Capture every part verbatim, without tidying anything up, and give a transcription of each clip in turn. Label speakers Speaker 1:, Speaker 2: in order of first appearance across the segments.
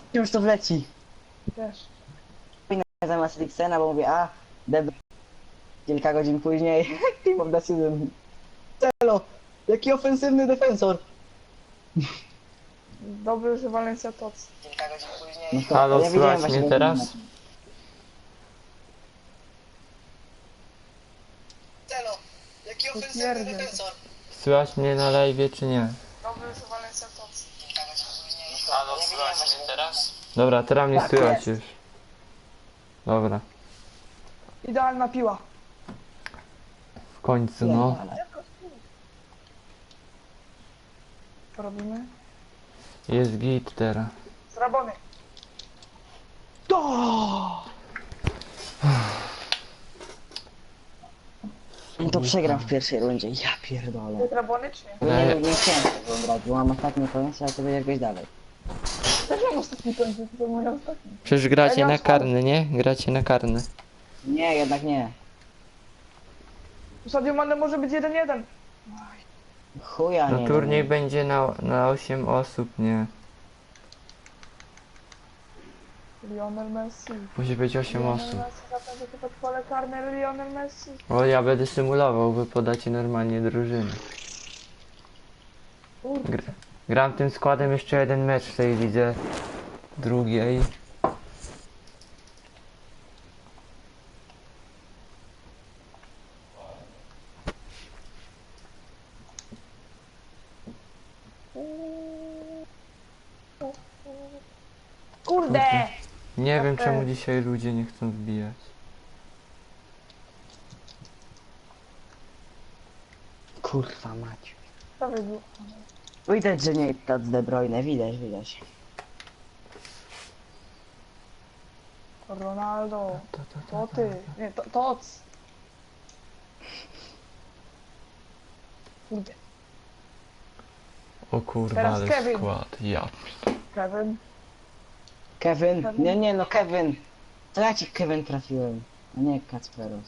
Speaker 1: Już to wleci.
Speaker 2: Też.
Speaker 1: Zamiast Rixena, bo mówię, a, deb... Kilka godzin później, team of decision. Celo, jaki ofensywny defensor.
Speaker 2: Dobry, że Valencia Tots.
Speaker 1: Kilka godzin później. No to,
Speaker 3: Halo,
Speaker 1: ja widziałem
Speaker 3: słychać
Speaker 1: właśnie
Speaker 3: mnie
Speaker 1: ten
Speaker 3: teraz?
Speaker 1: mecz. Celo, jaki ofensywny
Speaker 2: Potwierdzam.
Speaker 1: defensor.
Speaker 3: Słychać mnie na live czy nie?
Speaker 2: Dobry, że Valencia Tots.
Speaker 3: Halo, słychać mnie teraz? Dobra, teraz mnie
Speaker 1: Tak
Speaker 3: słychać
Speaker 1: jest.
Speaker 3: już. Dobra,
Speaker 2: Idealna piła.
Speaker 3: w końcu no.
Speaker 2: Co robimy?
Speaker 3: Jest git teraz.
Speaker 2: Z Rabony. To!
Speaker 1: No to przegram w pierwszej rundzie, ja pierdolę.
Speaker 2: Z Rabony czy nie?
Speaker 1: Nie, nie, nie chciałem tego brać, bo mam ostatni koniec, ale to będzie jakoś dalej.
Speaker 2: Też mam ostatni końcu, to mój ostatni.
Speaker 3: Przecież
Speaker 2: Ja
Speaker 3: gracie
Speaker 2: nie
Speaker 3: na
Speaker 2: mam
Speaker 3: karny, nie? Gracie na karny.
Speaker 1: Nie, jednak nie.
Speaker 2: Sadio Mane może być jeden jeden.
Speaker 1: Chuja nie.
Speaker 3: No turniej będzie na, na osiem osób, nie?
Speaker 2: Lionel Messi.
Speaker 3: Musi być osiem
Speaker 2: Lionel
Speaker 3: osób.
Speaker 2: Messi zapewne to pod pole karne Lionel Messi.
Speaker 3: O, ja będę symulował, wy podacie normalnie drużyny.
Speaker 2: Kurde.
Speaker 3: Gr gram tym składem jeszcze jeden mecz w tej lidze drugiej.
Speaker 2: Kurde!
Speaker 3: Nie wiem
Speaker 2: Okej.
Speaker 3: czemu dzisiaj ludzie nie chcą wbijać.
Speaker 1: Kurwa mać.
Speaker 2: To wybił.
Speaker 1: Widać, że nie to z De Bruyne, widać, widać.
Speaker 2: Ronaldo.
Speaker 3: To, to,
Speaker 2: To ty. Nie, to, Tots. Kurde.
Speaker 3: O kurwa,
Speaker 2: Teraz
Speaker 3: ale
Speaker 2: Kevin.
Speaker 3: skład, ja.
Speaker 2: Kevin.
Speaker 1: Kevin?
Speaker 2: Kevin?
Speaker 1: Nie, nie, no Kevin. To ja ci Kevin trafiłem, a nie Kacperos.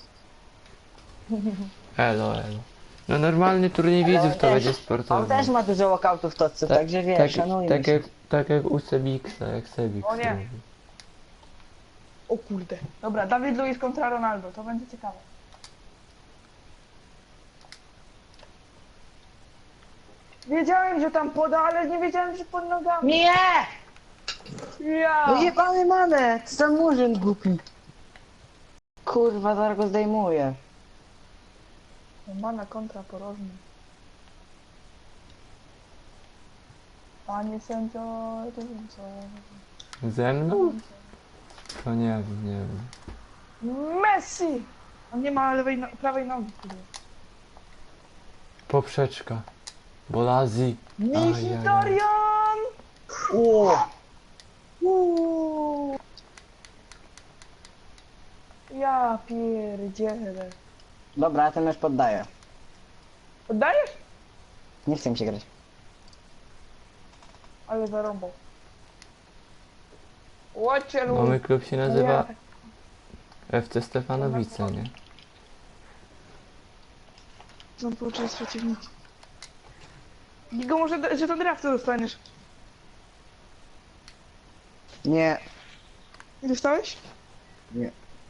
Speaker 3: Elo, elo. No normalny turniej
Speaker 1: Ale on
Speaker 3: widzów to
Speaker 1: też-
Speaker 3: będzie
Speaker 1: On
Speaker 3: sportowy.
Speaker 1: też ma dużo walkoutów w tocce,
Speaker 3: Tak-
Speaker 1: także wiesz,
Speaker 3: tak,
Speaker 1: szanujmy
Speaker 3: tak,
Speaker 1: się.
Speaker 3: jak, tak jak u Sebiksa, jak Sebik.
Speaker 2: O nie. O kurde. Dobra, Dawid Luiz kontra Ronaldo. To będzie ciekawe. Wiedziałem, że tam poda, ale nie wiedziałem, że pod nogami.
Speaker 1: Nie!
Speaker 2: Ja!
Speaker 1: No jebany manę! Co za murzyn głupi. Kurwa, zaraz go zdejmuję.
Speaker 2: Mana kontra porożny. Panie sędzio, to wiem co.
Speaker 3: Ze mną? To nie wiem, nie wiem.
Speaker 2: Messi! On nie ma lewej, no prawej nogi. kurde.
Speaker 3: Poprzeczka. Bolazi.
Speaker 2: Mkhitaryan!
Speaker 1: O!
Speaker 2: Uuu. Ja pierdzielę.
Speaker 1: Dobra, ja ten mecz poddaję.
Speaker 2: Oddajesz?
Speaker 1: Nie chcę mi się grać.
Speaker 2: Ale zarąbał. Łocie
Speaker 3: Mamy klub się nazywa
Speaker 2: Ja.
Speaker 3: F C Stefanowice, nie?
Speaker 2: Są połączone z przeciwnikiem. Gigo, może, że to draftu dostaniesz.
Speaker 1: Nie.
Speaker 2: Nie dostałeś?
Speaker 1: Nie.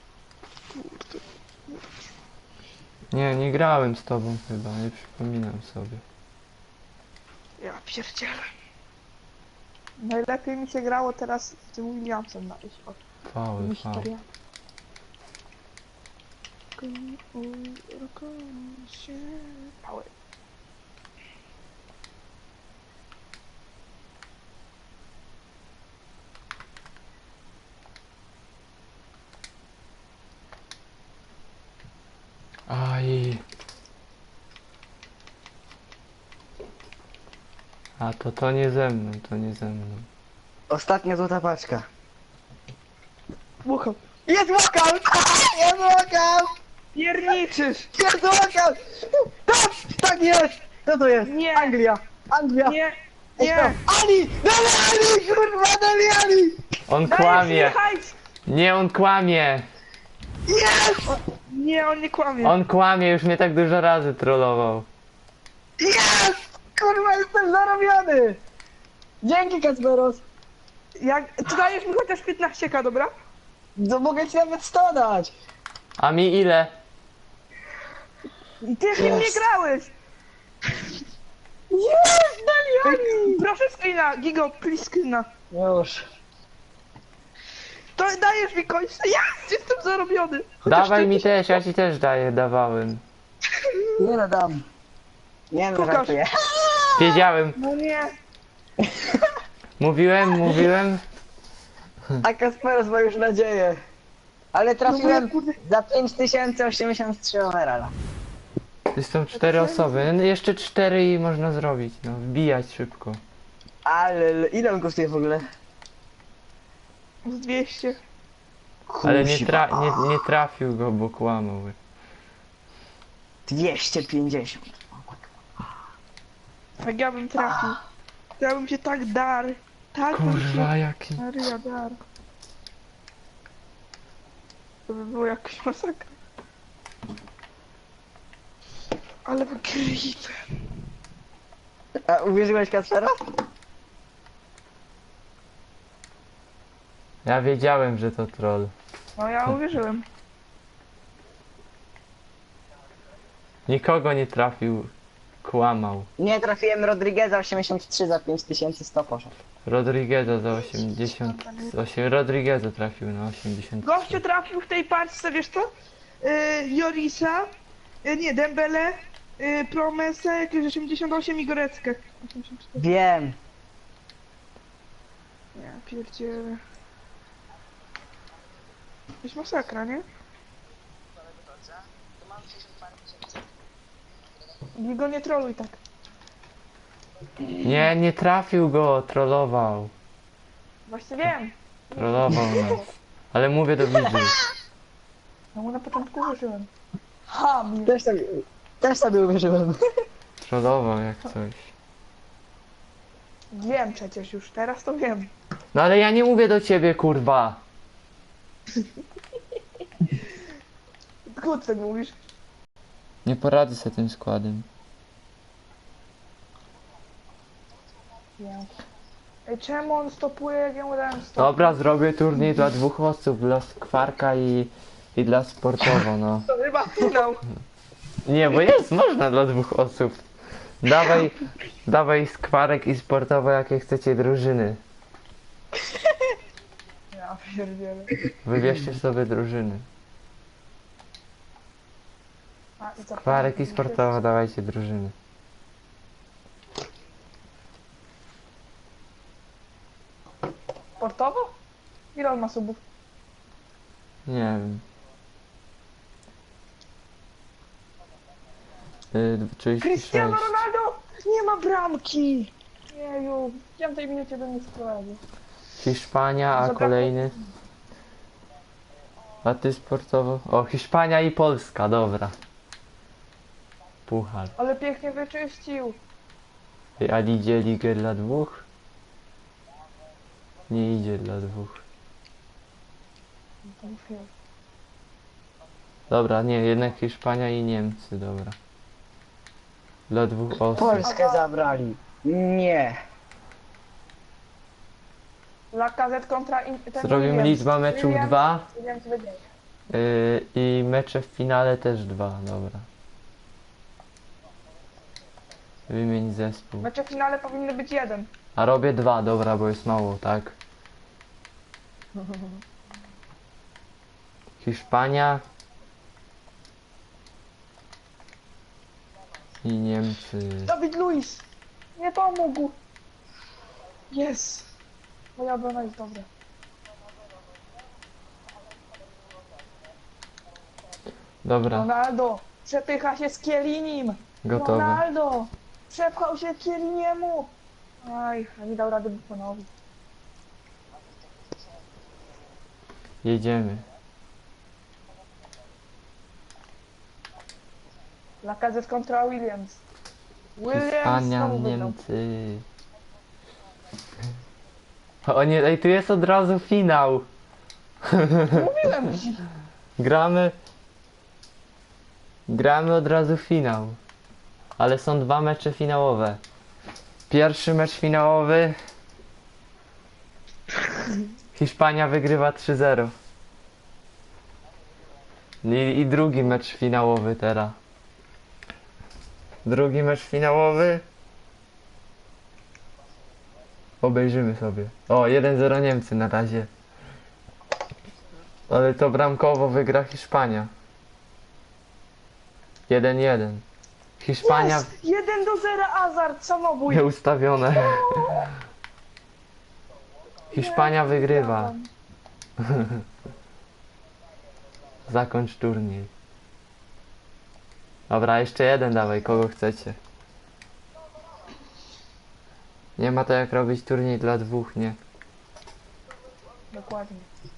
Speaker 3: Nie, nie grałem z tobą chyba, nie przypominam sobie.
Speaker 2: Ja pierdzielę. Najlepiej mi się grało teraz z tym Williamsem na iść od
Speaker 3: Faul, faul.
Speaker 2: historia. Pały.
Speaker 3: Aj. A to to nie ze mną, to nie ze mną.
Speaker 1: Ostatnia złota paczka.
Speaker 2: Buchał.
Speaker 1: Jest walkout! Jest walkout!
Speaker 2: Pierniczysz!
Speaker 1: Jest walkout! Tak! Tak jest! Co to jest?
Speaker 2: Nie.
Speaker 1: Anglia! Anglia!
Speaker 2: Nie!
Speaker 1: Ej,
Speaker 2: Nie!
Speaker 1: to- Ali! Dali Ali! Kurwa, dali Ali!
Speaker 3: On
Speaker 2: Dajesz mi
Speaker 3: kłamie!
Speaker 2: hajs!
Speaker 3: Nie, on kłamie!
Speaker 1: Jest!
Speaker 2: Nie, on nie kłamie.
Speaker 3: On kłamie, już mnie tak dużo razy trollował.
Speaker 1: Jest! Kurwa, jestem zarobiony! Dzięki, Kacperos!
Speaker 2: Jak, to dajesz mi chociaż piętnaście ka, dobra?
Speaker 1: No mogę ci nawet sto dać.
Speaker 3: A mi ile?
Speaker 2: Ty w nim nie
Speaker 1: Jest.
Speaker 2: grałeś!
Speaker 1: Jest, Daliani!
Speaker 2: Proszę screena, Gigo, please screena.
Speaker 1: Już.
Speaker 2: To dajesz mi końca, ja jestem zarobiony! Chociaż
Speaker 3: Dawaj
Speaker 2: ty-
Speaker 3: mi też, ja ci też daję, dawałem.
Speaker 1: Nie no dam. Nie no,
Speaker 2: Pokaż.
Speaker 1: żartuję.
Speaker 3: Wiedziałem,
Speaker 2: No nie.
Speaker 3: mówiłem, mówiłem.
Speaker 1: A Kasperos ma już nadzieję. Ale
Speaker 2: No
Speaker 1: trafiłem
Speaker 2: bo ja, kurde-
Speaker 1: za pięć tysięcy osiemdziesiąt trzy overalla.
Speaker 3: To są cztery osoby, no jeszcze cztery i można zrobić, no wbijać szybko.
Speaker 1: Ale ile on kosztuje w ogóle?
Speaker 2: Z dwieście.
Speaker 3: Ale nie,
Speaker 1: Kuźwa.
Speaker 3: tra nie, nie trafił go, bo kłamał.
Speaker 1: dwieście pięćdziesiąt.
Speaker 2: Jak ja bym trafił. To ja bym się tak dar. Tak bym
Speaker 3: Kurwa,
Speaker 2: się...
Speaker 3: jaki...
Speaker 2: Maria dar. To by było jakaś masakra. Ale wygryzę.
Speaker 1: A uwierzyłeś Kaspera?
Speaker 3: Ja wiedziałem, że to troll.
Speaker 2: No ja uwierzyłem.
Speaker 3: Nikogo nie trafił, kłamał.
Speaker 1: Nie, trafiłem Rodrigueza osiemdziesiąt trzy za pięć tysięcy sto poszedł.
Speaker 3: Rodrigueza za osiemdziesiąt... osiem Rodrigueza trafił na osiemdziesiąt.
Speaker 2: Gościu trafił w tej paczce, wiesz co? Yy, Jorisa, yy, nie, Dembele, yy, Promesę, jakieś osiemdziesiąt osiem i Goreckę. osiemdziesiąt cztery.
Speaker 1: Wiem.
Speaker 2: Ja pierdzielę. Jakaś masakra, nie? Go nie troluj tak.
Speaker 3: Nie, nie trafił go, trollował.
Speaker 2: Właśnie wiem.
Speaker 3: Trollował nas. Ale mówię do widzów.
Speaker 2: No mu na początku uwierzyłem. Ham.
Speaker 1: Też sobie, też sobie uwierzyłem.
Speaker 3: Trollował jak coś.
Speaker 2: Wiem przecież już, teraz to wiem.
Speaker 3: No ale ja nie mówię do ciebie, kurwa.
Speaker 2: Kurde, mówisz.
Speaker 3: Nie poradzę sobie tym składem.
Speaker 2: Ja. Ej, czemu on stopuje, jak ja mu dałem stop?
Speaker 3: Dobra, zrobię turniej dla dwóch osób, dla skwarka i, i dla sportowo, no.
Speaker 2: To chyba finał.
Speaker 3: Nie, bo jest, można dla dwóch osób. Dawaj, dawaj skwarek i sportowo, jakie chcecie drużyny.
Speaker 2: Ja pierdzielę.
Speaker 3: Wybierzcie sobie drużyny.
Speaker 2: A, i co?
Speaker 3: Skwarek i sportowo, dawajcie drużyny.
Speaker 2: Sportowo? Ile on ma subów?
Speaker 3: Nie wiem. Yy, trzydzieści
Speaker 2: Cristiano
Speaker 3: sześć.
Speaker 2: Ronaldo! Nie ma bramki! Jeju, w piątej minucie do mnie sprowadził.
Speaker 3: Hiszpania, a
Speaker 2: Zabrakło-
Speaker 3: kolejny. A ty sportowo? O, Hiszpania i Polska, dobra. Puchar.
Speaker 2: Ale pięknie wyczyścił.
Speaker 3: Ej, a idzie ligę dla dwóch? Nie idzie dla dwóch. Dobra, nie, jednak Hiszpania i Niemcy, dobra. Dla dwóch osób.
Speaker 1: Polskę zabrali. Nie.
Speaker 2: Lacazette kontra... In, ten
Speaker 3: Zrobimy
Speaker 2: Williams.
Speaker 3: liczba meczów
Speaker 2: Williams-
Speaker 3: dwa.
Speaker 2: Williams wygrał.
Speaker 3: Yy, I mecze w finale też dwa, dobra. Wymień zespół.
Speaker 2: Mecze w finale powinny być jeden.
Speaker 3: A robię dwa, dobra, bo jest mało, tak? Hiszpania i Niemcy.
Speaker 2: Dawid Luiz! Nie pomógł! Jest! Moja obrona jest dobra.
Speaker 3: Dobra,
Speaker 2: Ronaldo! Przepycha się z Kielinim!
Speaker 3: gotowe.
Speaker 2: Ronaldo! Przepchał się Kieliniemu! Aj, a nie dał rady Buffonowi.
Speaker 3: Jedziemy.
Speaker 2: Lacazette kontra Williams. Williams
Speaker 3: Hiszpania,
Speaker 2: znowu wygrał.
Speaker 3: Niemcy. O nie, ej, tu jest od razu finał.
Speaker 2: Mówiłem ci!
Speaker 3: Gramy. Gramy od razu finał. Ale są dwa mecze finałowe. Pierwszy mecz finałowy Hiszpania wygrywa trzy zero. I, I drugi mecz finałowy teraz. Drugi mecz finałowy. Obejrzymy sobie. O, jeden zero Niemcy na razie. Ale to bramkowo wygra Hiszpania. jeden jeden. Hiszpania
Speaker 2: Jest! jeden do zera Hazard, samobój.
Speaker 3: nieustawione. Hiszpania wygrywa. Zakończ turniej. Dobra, jeszcze jeden dawaj, kogo chcecie. Nie ma to jak robić turniej dla dwóch, nie?
Speaker 2: Dokładnie.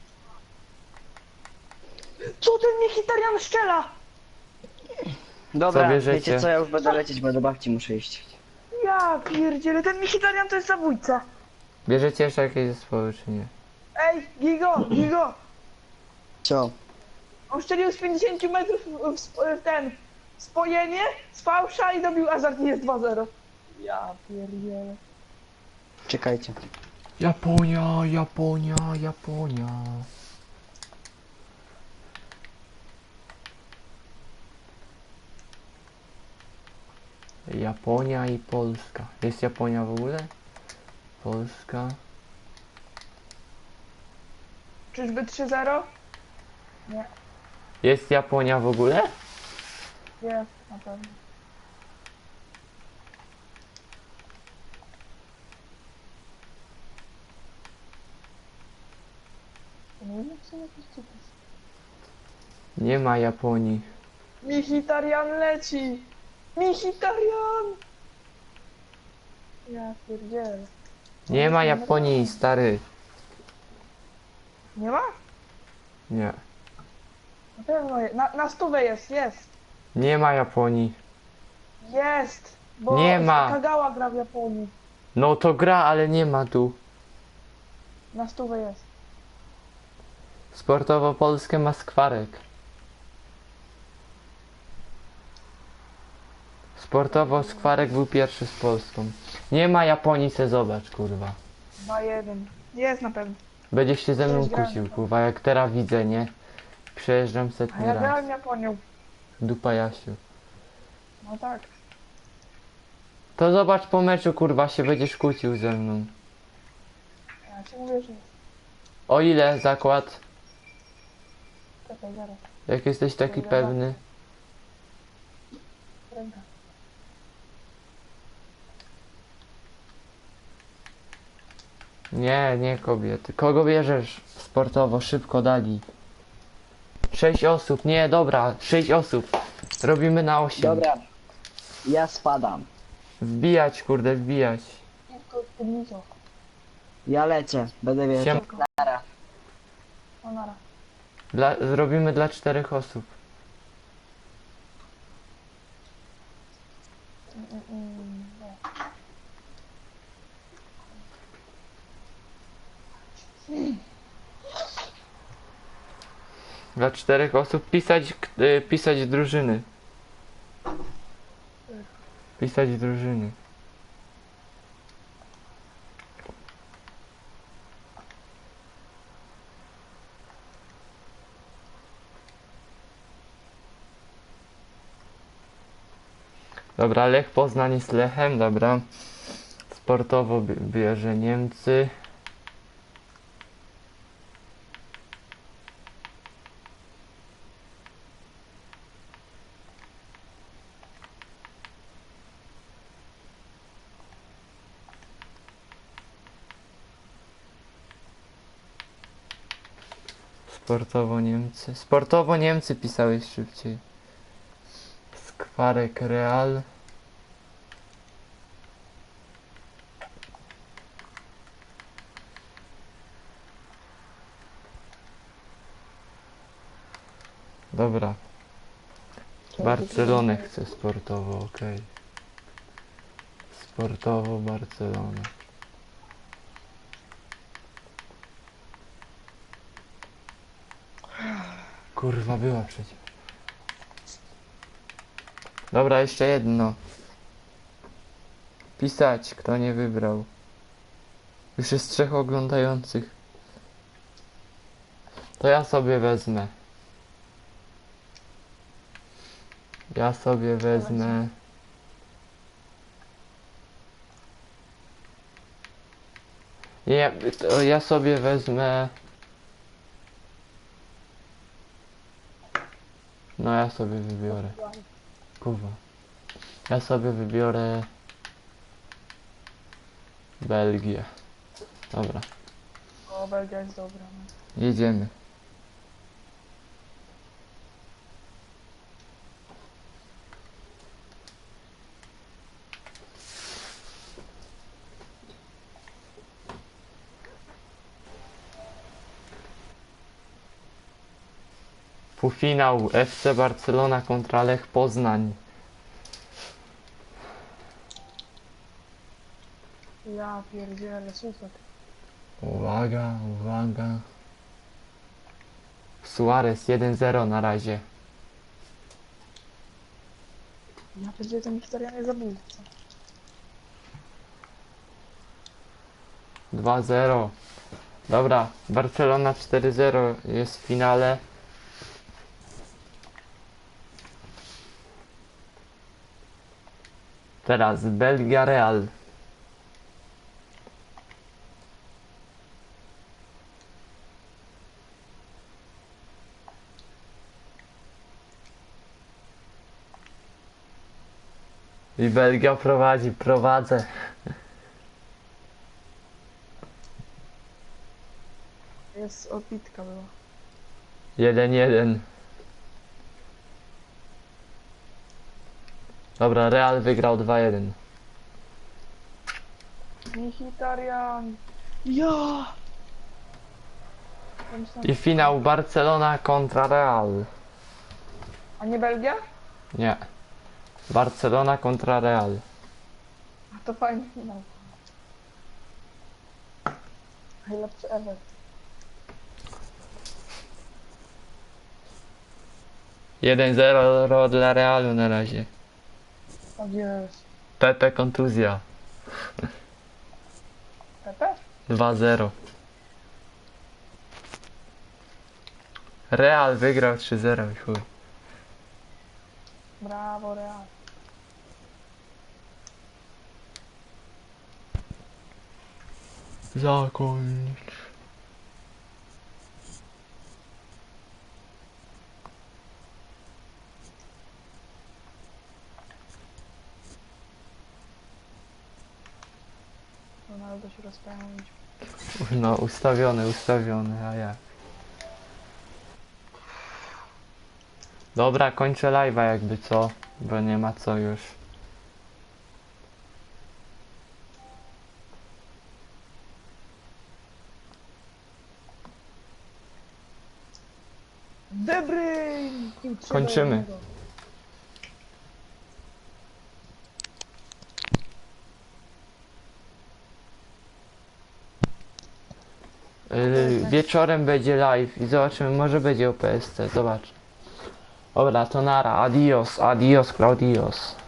Speaker 2: Co ten Mkhitaryan strzela?
Speaker 1: Dobra,
Speaker 3: Co bierzecie?
Speaker 1: wiecie co, ja już będę lecieć, bo do babci muszę iść.
Speaker 2: Ja pierdzielę, ten Mkhitaryan to jest zabójca.
Speaker 3: Bierzecie jeszcze jakieś zespoły, czy nie?
Speaker 2: Ej, Gigo, Gigo.
Speaker 1: Co?
Speaker 2: On strzelił z pięćdziesięciu metrów w, sp- w ten spojenie z fałsza i dobił Hazard i jest dwa zero. Ja pierdzielę.
Speaker 1: Czekajcie.
Speaker 3: Japonia, Japonia, Japonia. Japonia i Polska. Jest Japonia w ogóle? Polska.
Speaker 2: Czyżby trzy zero? Nie,
Speaker 3: Jest Japonia w ogóle?
Speaker 2: jest, na pewno. Nie wiem, jak są jakieś cukry.
Speaker 3: Nie ma Japonii.
Speaker 2: Mkhitaryan leci! Mkhitaryan! Ja pierdzielę.
Speaker 3: Nie ma Japonii, stary.
Speaker 2: Nie ma?
Speaker 3: Nie.
Speaker 2: Na pewno jest. Na, na stówę jest, jest.
Speaker 3: Nie ma Japonii.
Speaker 2: Jest! Bo
Speaker 3: Nie ma.
Speaker 2: Kagawa gra w Japonii.
Speaker 3: No to gra, ale nie ma tu.
Speaker 2: Na stówę jest.
Speaker 3: Sportowo Polskę ma skwarek. Sportowo skwarek był pierwszy z Polską. Nie ma Japonii, se zobacz, kurwa.
Speaker 2: dwa jeden. Jest na pewno.
Speaker 3: Będziesz się ze mną
Speaker 2: Cześć, grałem.
Speaker 3: kłócił, kurwa, jak teraz widzę, nie? Przejeżdżam
Speaker 2: A
Speaker 3: setny
Speaker 2: ja
Speaker 3: raz.
Speaker 2: grałem Japonią.
Speaker 3: Dupa Jasiu.
Speaker 2: No tak.
Speaker 3: To zobacz po meczu, kurwa, się będziesz kłócił ze mną.
Speaker 2: Ja ci mówię, że jest.
Speaker 3: O ile zakład?
Speaker 2: Czekaj, zaraz.
Speaker 3: Jak jesteś taki
Speaker 2: Dobra.
Speaker 3: pewny?
Speaker 2: Ręka.
Speaker 3: Nie, nie kobiety. Kogo bierzesz? Sportowo, szybko dali. Sześć osób, nie, dobra, sześć osób. Robimy na osiem.
Speaker 1: Dobra. Ja spadam.
Speaker 3: Wbijać, kurde, wbijać.
Speaker 2: Tylko spódnicą.
Speaker 1: Ja lecę. Będę wiedział.
Speaker 3: Siem-
Speaker 1: Nara.
Speaker 2: No nara.
Speaker 3: Dla, zrobimy dla czterech osób.
Speaker 2: Mm, mm, mm, nie.
Speaker 3: Dla czterech osób pisać, k- y, pisać drużyny. Pisać drużyny. Dobra, Lech Poznań jest Lechem, dobra. Sportowo bi- bierze Niemcy. Sportowo Niemcy. Sportowo Niemcy pisałeś szybciej. Skwarek Real. Dobra. Barcelonę chcę sportowo, okej. Sportowo Barcelona. Kurwa, była przecież. Dobra, jeszcze jedno. Pisać, kto nie wybrał. Już jest trzech oglądających. To ja sobie wezmę. Ja sobie wezmę. Nie, to ja sobie wezmę. No ja sobie wybiorę. Kurwa. Ja sobie wybiorę Belgię. Dobra,
Speaker 2: O, Belgia jest dobra. No.
Speaker 3: jedziemy. Półfinał F C Barcelona kontra Lech Poznań.
Speaker 2: Ja pierdzielę, super.
Speaker 3: Uwaga, uwaga. Suarez jeden zero na razie.
Speaker 2: Ja pierdzielę, ten Mkhitaryan zabójca.
Speaker 3: dwa zero. Dobra, Barcelona cztery zero jest w finale. Teraz Belgia Real. I Belgia prowadzi, prowadzę.
Speaker 2: Jest odbitka była.
Speaker 3: jeden jeden. Dobra, Real wygrał dwa jeden.
Speaker 2: Mkhitaryan. Ja! Ja myślałem-
Speaker 3: I finał Barcelona kontra Real.
Speaker 2: A nie Belgia?
Speaker 3: Nie. Barcelona kontra Real.
Speaker 2: A to fajny finał. Najlepszy ever.
Speaker 3: jeden zero dla Realu na razie.
Speaker 2: Tak jest.
Speaker 3: Pepe kontuzja.
Speaker 2: Pepe?
Speaker 3: dwa zero. Real wygrał trzy zero i chuj.
Speaker 2: Brawo, Real.
Speaker 3: Zakończ.
Speaker 2: Ronaldo się rozpędził.
Speaker 3: No ustawiony, ustawiony, a jak? Dobra, kończę live'a jakby co, bo nie ma co już.
Speaker 2: De Bruyne! I trzy do
Speaker 3: Kończymy.
Speaker 2: jednego.
Speaker 3: Yy, wieczorem będzie live i zobaczymy, może będzie o P S C, zobacz. Dobra, to nara, adios, adios, Claudios.